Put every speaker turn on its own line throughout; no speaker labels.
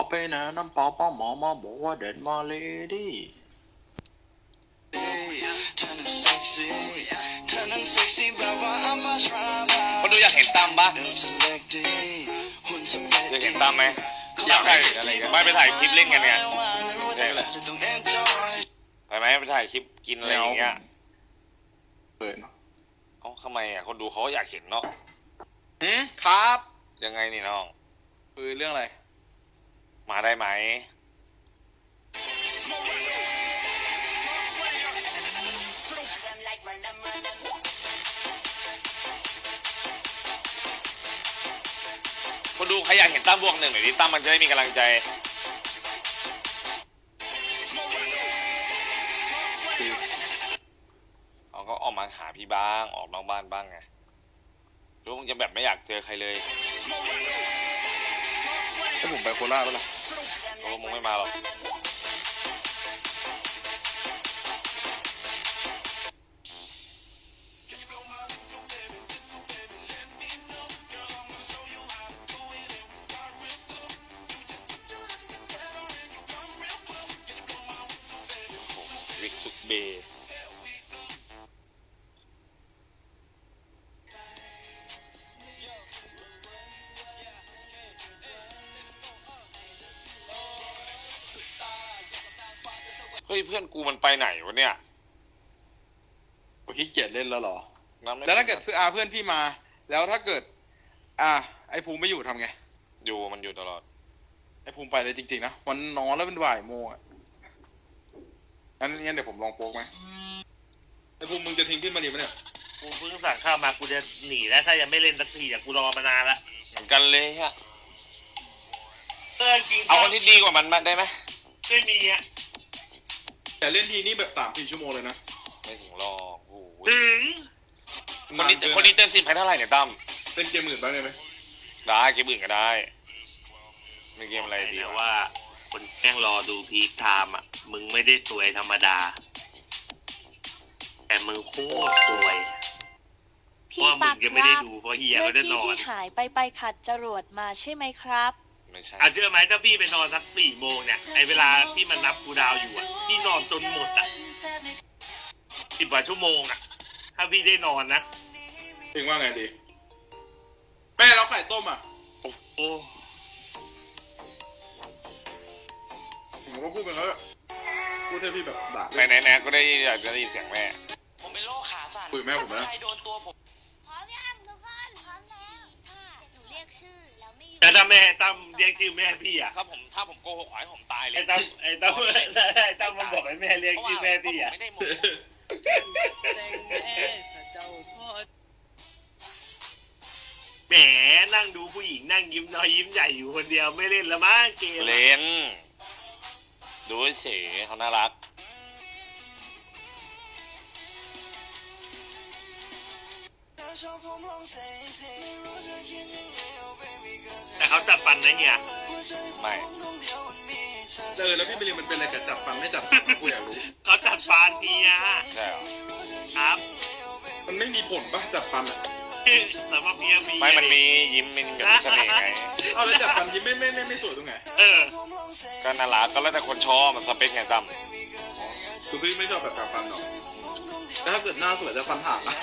ไปนะน้ำเปล่าป้าหมอมาบอกว่าเด็ดมาเลยดิ
คนดูอยากเห็นตั้มปะอยากเห็นตั้มไหมอยากได้อะไรกันไม่ไปถ่ายคลิปเล่นกันไงใช่แหละไปไหมไปถ่ายคลิปกินอะไรอย่างเงี้ย
เปิด
เอ้าทำไมอ่ะคนดูเขาอยากเห็นเนาะ
ครับ
ยังไงนี่น้อง
คือเรื่องอะไร
มาได้ไหมคนดูใครอยากเห็นตั้มบวกหนึ่งหน่อยดิตั้มมันจะได้มีกำลังใจเขาก็ออกมาหาพี่บ้างออกนอกบ้านบ้างไงรู้มึงจะแบบไม่อยากเจอใครเลย
ถ้าผมไปโคราชแล้วล่ะ
โอ้มึงไม่มาหรอกวิกซุกเบเฮ้ยเพื่อนกูมันไปไหนวะเนี่ย
โอ้ขี้เกียจเล่นแล้วเหรอ
แ
แล้วถ้าเกิดเพื่อนพี่มาแล้วถ้าเกิดไอ้ภูมิไม่อยู่ทำไง
อยู่มันอยู่ตลอด
ไอ้ภูมิไปเลยจริงๆนะวันนอนแล้วเป็นบ่ายโมงอ่ะงั้นเดี๋ยวผมลองโป๊กไหมไอ้ภูมิมึงจะทิ้งพี่มาดีไหมเนี่ย
กูเพิ่งสั่งข้าวมากูจะหนีแล้วถ้ายังไม่เล่นสักทีกูรอมานานละ
เหมือนกันเลยฮะ
จริง
เอาคนที่ดีกว่ามันมาได้ไหม
ไม่มีอ่ะ
แต่เล่นทีนี่แบบ3-4 ชั่วโมงเลยนะ
ไม่ถึงหรอกโอ้โห
ถึง
คนนี้เต็ม10ให้เท่าไหร่เนี่ยตั้ม
เล่นเกมอื่นบ้างได้ไหม
ได้เกมอื่นก็ได้ไม่เกมอะไรดี
ว่าคนแม่งรอดูพีคไทม์อ่ะมึงไม่ได้สวยธรรมดาแต่มึงโคตรสวย
พี่ปัก
ยังไม่ได้ดูเพราะเฮียไม่ได้นอน
ที่หายไปขัดจรวดมาใช่ไหมครับ
ไม่ใช่
เชื่อไหมถ้าพี่ไปนอนสัก4 โมงเนี่ยไอเวลาที่มันนับกูดาวอยู่อ่ะพี่นอนจนหมดอ่ะ10 กว่าชั่วโมงอ่ะถ้าพี่ได้นอนนะ
ถึงว่าไงดีแม่เราไข่ต้มอ่ะ
โอ้
ผมก็พูดไปแล้วพูดให้พี่แบบด่า
ไหนก็ได้อยากจะได้ยินเสียงแม่
ผมเป็นโรคขาสั่น
คุยแม่ผมนะ
ใครโดนตัวผม
พร้อมยังทุกคนพร้อมแล้วถ้าหนูเรียกชื่อแล้วไม่
แต่ถ้าแม่ตั้มเรียกชื่อแม่พี่อ่ะ
ถ้าผมโกหกให้ผมตายเลย
ไอ้ตั้มมันบอกให้แม่เรียกชื่อแม่พี่อ่ะ
ไม่ได้หมด
แหมนั่งดูผู้หญิงนั่งยิ้มน้อยยิ้มใหญ่อยู่คนเดียวไม่เล่นละมั้งเกม
เล่นดูเฉยเขาน่ารัก
แต่เขาจับฟันนะเนี่ย
ไม่
แล้วพี่ไปเรียนมันเป็นอะไรกับจับฟันไม่จับกูอยากรู้
เขาจับฟันเนี่ย
ใช่
ครับ
มันไม่มีผลป่ะจับฟันอ่ะ
สำหรับเมียมี
ไม่มันมียิ้มมันกับเสน่ห์ไง
เอาแล้วจับฟันยิ้มไม่สวยตรงไหน
ก็น่ารักก็แล้วแต่คนชอบมันสเปคไงตั้ม
คือพี่ไม่ชอบแบบจับฟันหรอกแต่ถ้าเกิดหน้าสวยจะฟันห่างนะ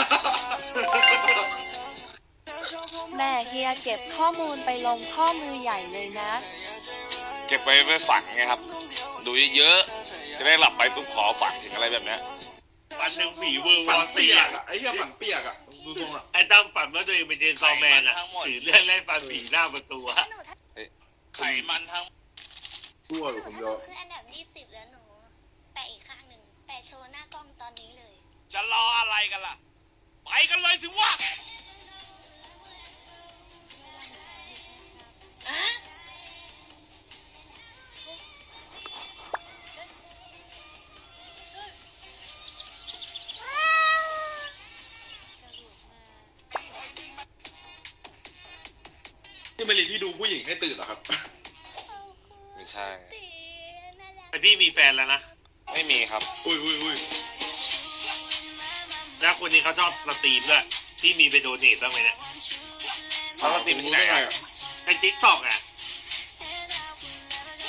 แม่เฮียเก็บข้อมูลไปลงข้อมือใหญ่เลยนะ
เก็บไปฝังไงครับดูเยอะๆจะได้หลับไปปุ๊บขอฝังถึงอะไรแบบนี้
ฝันหนึ่งผีเวอร์
ฝันเปียกอ่ะไอ้เหี้ยฝันเปียกอ่ะดูตรงอ่ะ
ไอ้ตั้มฝันว่าตัวเองเป็นเจนซอแมนอ่ะถือเลื่อนไล่ฟันผีหน้าประตูอะ
ไขมันทั้ง
ชั่วหรือผมยอม
คืออันดับ20แล้วหนูแปะอีกข้างหนึ่งแปะโชว์หน้ากล้องตอนนี้เลย
จะรออะไรกันล่ะไปกันเลยสิวะ
ที่มารีพี่ดูผู้หญิงให้ตื่นเหรอครับ
ไม่ใช่
ไอพี่มีแฟนแล้วนะ
ไม่มีครับ
อุ้ย
แล้วคนนี้เขาชอบสตรีมด้วยที่มีไปโดเนทบ้างไหมเนี่ย
เขาสตรีมที่ไหน
ในติ๊กต็อกอ่ะ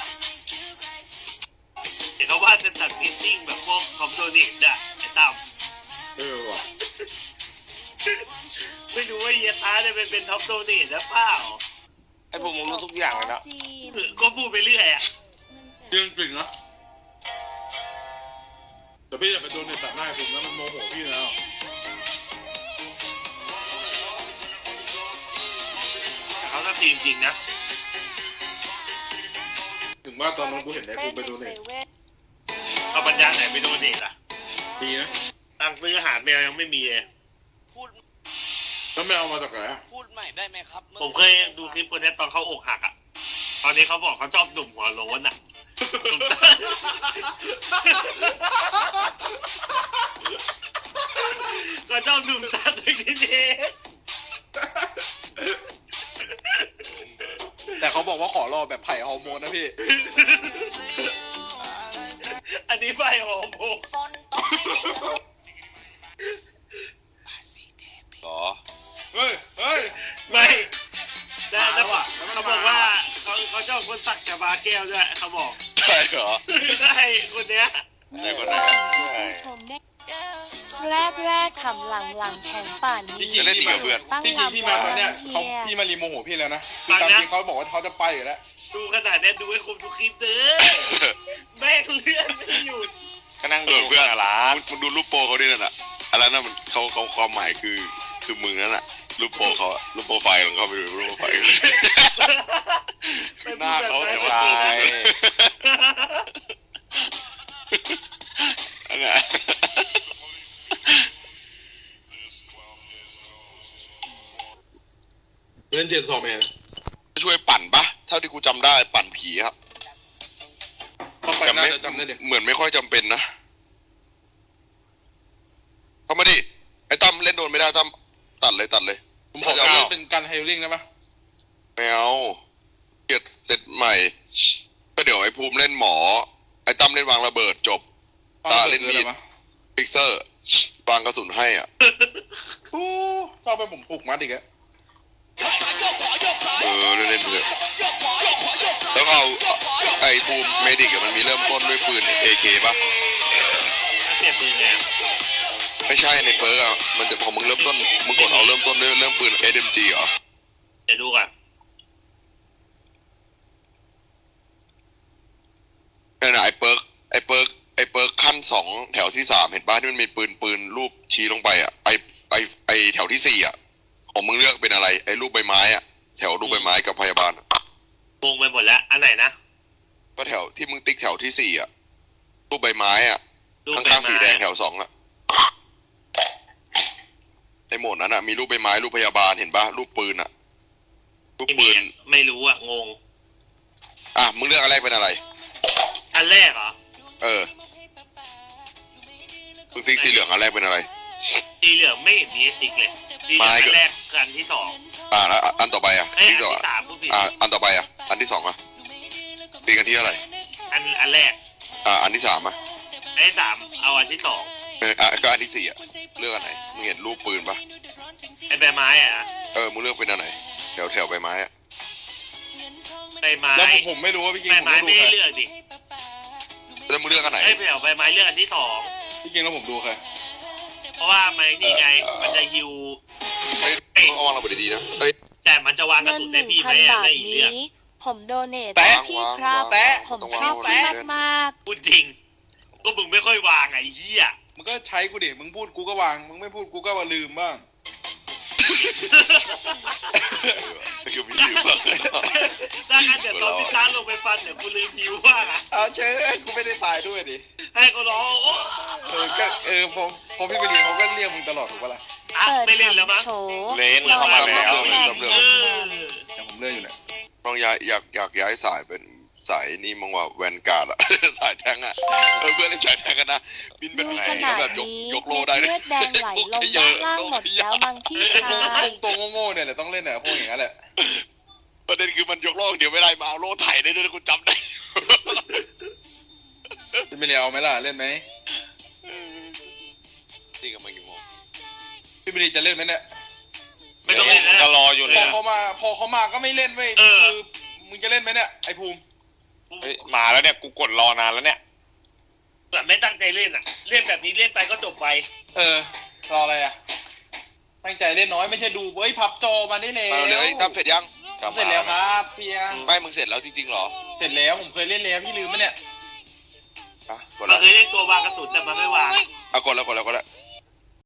ตัดฟิตติ้งแบบพวกคอมโดเนตอะไอ้ตั้ม
ว่ะ
ไม่รู้ว่าเฮียตาเนี่ยเป็นท็อปโดเนตหรือเปล่า
ไอ้พวกมึงรู้ทุกอย่างเลยนะ
จีน
ก็พูดไปเรื่อยอะ
เรื่องจริงนะแต่พี่อย่าไปโดนในตัดหน้าผมนะมันโมโหพี่แล้ว
แต่เขาก็ทีมจริงนะ
ถึงว่าตอนนั้นกูเห็นไอ้กูไปโดน
เซ
เน็ต
เว่น
เอาปัญญาไหนไปโดเนตอะ
ดีนะ
ตังค์ซื้ออาหารแมวยังไม่มีเลย
พูด
แล้วไม่เอามาจากไหนอะ
พูดใหม่ได้ไหมครับ
ผมเคยดูคลิปคนนี้ตอนเขาอกหักอะตอนนี้เขาบอกเขาชอบหนุ่มหัวโล้นอะก็ชอบหนุ่มตาตึกนี่
แต่เขาบอกว่าขอรอแบบไผ่ฮอร์โมนนะพี่
อันนี้ไปหอมผม
บนโต๊ะไม่เด็ก
หรอ
เฮ้ยเฮ้ย
ไม่แต่
มาแล้วอะ
เขาบอกว่าเขาชอบคนสักกระบาแก้วด้วยเขาบอก
ใช่เหรอ
ได้คนเนี้ย
ไหนคนไหนใช่
ชมได้แรกขำหลังแข็งป่านนี้
พี่คิงพี่มา
ตั้ง
พี่คิงพี่มาตอนเนี้ย
เฮี
เขา
ย
พี่มารีโมโหพี่แล้วนะคือตามจริงเขาบอกว่าเขาจะไปอยู่แล้ว
ดูขนาดนี้ดูให้ครบทุกคลิปเด้อแม่งเลื่อนไม่หยุด
ก็นั่งดูเพื่อนร้านมึงดูรูปโปรเขาด้วยนั่นน่ะอะไรนั่นมันเขาความหมายคือมึงนั่นน่ะรูปโปรเขาอะรูปโปรไฟล์ของเขาไปดูรูปโปรไฟล์หน้าเขาแต่ว่าอันเนี้ย
เล่นเจนซอมเอง
ช่วยปั่นปะเท่าที่กูจำได้ปั่นผีครับ
เข้าไปน่าจะจำได้เด็ก
เหมือนไม่ค่อยจำเป็นนะเข้ามาดิไอ้ตั้มเล่นโดนไม่ได้ตั้มตัดเลย
ผมขอการเป็นการไฮลิ่งได้ปะ
ไม่เอาเกียรเสร็จใหม่ ก็เดี๋ยวไอ้ภูมิเล่นหมอ ไอ้ตั้มเล่นวางระเบิดจบ ตาเล่นมีด ฟิกเซอร์วางกระสุนให้อ่ะ
โอ้ชอบไปผมปลุกมัดอีกอะ
เล่นเถอะแล้วเอาไอ้ภูมิเมดิกมันมีเริ่มต้นด้วยปืน AK ปะ
เปลี่ยนปืนไง
ไม่ใช่ในเปิร์กอ่ะมันจะพอมึงเริ่มต้นมึงกดเอาเริ่มต้นด้วยเริ่มปืน SMG เหรอ
เดี๋ยวดูก่อน
นั่นน่ะไอ้เปิร์กขั้น2แถวที่3เห็นป่ะที่มันมีปืนรูปชี้ลงไปอ่ะไอแถวที่4อ่ะของมึงเลือกเป็นอะไรไอ้รูปใบไม้อ่ะแถวรูปใบไม้กับพยาบาล
งงไปหมดแล้วอันไหนนะ
ก็แถวที่มึงติ๊กแถวที่4อ่ะรูปใบไม้อ่ะ
รูป
ข้
ใบ
างๆ
ไม้
สีแดงแถว2อ่ะในโหมดนั้นอ่ะมีรูปใบไม้รูปพยาบาลเห็นป่ะรูปปืนอ่ะรูป
ไม่มี
ปืน
ไม่รู้อ่ะงง
อ่ะมึงเลือกอันแรกเป็นอะไร
อันแรกเหรอ
มึงติ๊กสีเหลืองอันแรกเป็นอะไร
สีเหลืองไม่เห็นมีติ๊กเลยสีเหลืองอันแรกคืออันที่สอง
แล้วอันต่อไปอ่ะ
เอ้ย
ติ๊
อั
ก
น
ต่อ
ที่สามผู้ผิด
อันต่อไปอ่ะอันที่2อ่ะติ๊กกันที่อะไร
อันแรก
อันที่3อ่ะ
อันที่สามเอาอันที่สอง
ก็อันที่4อ่ะเลือกอันไหนมึงเห็นรูปปืนปะ
ไอ้ใบไม้อ่ะนะ
มึงเลือกเป็นอันไหนแถวใบไม้อ่ะ
ใบไม้
แล้วผมไม่รู้ว่าพี่คิง
ใบ
ผม
ไม้
ไม่ดู
ไม่
ใคร
ได้เลือกดิ
แล้วมึงเลือกอันไหน
ไอ้แถวใบไม้เลือกอันที่สอง
พี่คิงแล้วผมดูใคร
เพราะว่ามันนี่ไงมันจะฮิว
ต้องวางระเบิดดีๆนะเอ้ย
แต่มันจะวางกระ
เงิน
สุน
ห
ได้
นึ่ง
พี่ไหม
พัน
อ่ะ
บาท
ได้อีกเรื่
นี้
อง
ผมโดเนท
แปะ
ให้พี่ครับ
แปะ
ผมชอบพี่มาก
พูดจริงก็มึงไม่ค่อยวางไอ้เหี้ย
มึงก็ใช้กูดิมึงพูดกูก็วางมึงไม่พูดกูก็ลืมบ้าง
คือพี่ลืมบ้าง
ถ้างั้นเดี๋ยวตอนพี่ช้างลงไปฟันเดี๋ยวกูลืมฮิวว่างอ่ะ
เอาเชิญกูไม่ได้ตายด้วยดิ
ให้เขาร้องโอ้
พอพี่ไปเรียนเขาก็เรียกมึงตลอดถูกปะล่ะ
อ่ะ
ๆเปิด
ไม่เล่นแล้วมั้ง
โชว์
เล่นเข้ามาแล้ว
เออ
แต่ผมเลื่อนอยู่เนี่ย
ต้องอยากย้ายสายเป็นสายนี่มั้งว่าแวนการ์ดอะ สายแทงอะเพื่อนเล่นสายแทงกันนะบินไป
ดู
ไหน
ข
ก็
นาด
แบบ
นี้
ยกโลได้
เลือดแดงไหลลงด้านล่างหมดแล้วมั้งพี่ชาย
ตัวโง่ๆเนี่ยแหละต้องเล่นเนี่ยพวกอย่างนั้นแหละ
ประเด็นคือมันยกโลเดี๋ยวไม่ได้มาเอาโลไถได้ด้วยกูจำได้
จะไม่เรียนเอาไหมล่ะเล่นไหม
นี่กันมากี่โมง
พี่ไม่ดีจะเล่นไหมเนี่ย
ไม่ต้องเล่น
ก็
แล้ว
รออยู่
พ
เนี่
อย เขามาก็ไม่เล่นเว้ย
เออ
คือมึงจะเล่นไหมเนี่ยไอ้ภูมิ
เฮ้ยมาแล้วเนี่ยกูกดรอนานแล้วเนี่ย
แบบไม่ตั้งใจเล่นอ่ะ เล่นแบบนี้เล่นไปก็จบไป
รออะไรอ่ะตั้งใจเล่นน้อยไม่ใช่ดูเฮ้ยพับจอมาได้แล้ว
เอาเลยทำเสร็จยัง
เสร็จแล้วครับเพียง
ไม่มึงเสร็จแล้วจริงๆเหรอ
เสร็จแล้วผมเคยเล่นแล้วพี่ลืมไหมเนี่ย
อ่ะกด
มั
แล้
น
ว
เคยเล่นตัววางกระสุนแต่มันไม่วาง
เอากดแล้ว